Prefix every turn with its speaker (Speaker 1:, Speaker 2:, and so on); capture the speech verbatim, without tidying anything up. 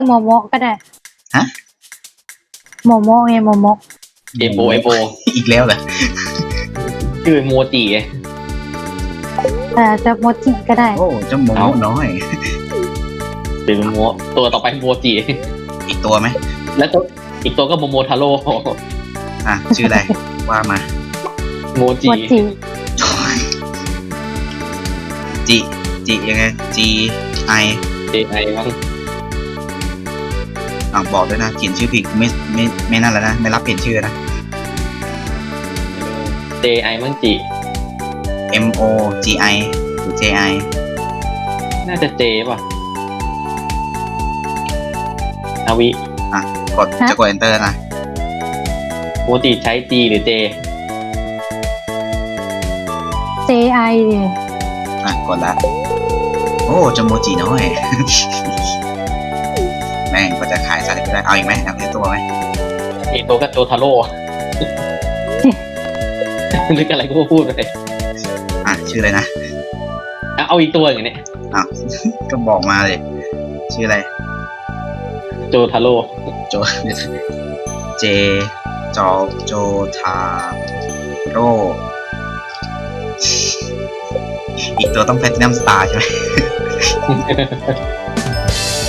Speaker 1: โมโมะก็ได้
Speaker 2: ฮะ
Speaker 1: โมโมะไงโมโมะ
Speaker 3: เอโบเอโบ
Speaker 2: อีกแล้วเหรอ
Speaker 3: ชื่อโมจิ
Speaker 1: แต่จะโมจิก็ได้
Speaker 2: โอ้เจ้าโมโมน้อย
Speaker 3: เป็นโมตัวต่อไปโมจิ
Speaker 2: อีกตัวไหม
Speaker 3: แล้วตัวอีกตัวก็โมโมทาโร่
Speaker 2: อ่ะชื่ออะไร ว่ามา
Speaker 3: โมจิ
Speaker 1: โมจิ
Speaker 2: จิจิยังไง G I
Speaker 3: เจไอมั้ง
Speaker 2: อ่ะบอกด้วยนะเขียนชื่อผิดไม่ไม่ไม่นั่นแล้วนะไม่รับเปลี่ยนชื่อนะ
Speaker 3: เจไอมั้งจิ
Speaker 2: M O G I หรือ J I
Speaker 3: น่าจะเจป่ะนาวิ
Speaker 2: อ่ะกดจะกด enter นะ
Speaker 3: โมจิใช้จีหรือเจ
Speaker 1: เจไอ
Speaker 2: อ่ะกดละโอ้เจ้าโมจิน้อย แม่งก็จะขายสัตว์ไปได้เอาอีกไหมเอาอีกตัวไหม
Speaker 3: เอโตก็โจทาโร่ นึกอะไรก็พูดไป
Speaker 2: อ่ะชื่ออะไรนะ
Speaker 3: อ่ะเอาอีกตัวอย่างเนี้ย
Speaker 2: อ้าว ก็บอกมาเลย ชื่ออะไร
Speaker 3: โจทาโร่
Speaker 2: โจ เจ จอ โจ ทา โร อีกตัวต้องแพลตินัมสตาร์ใช่ไหม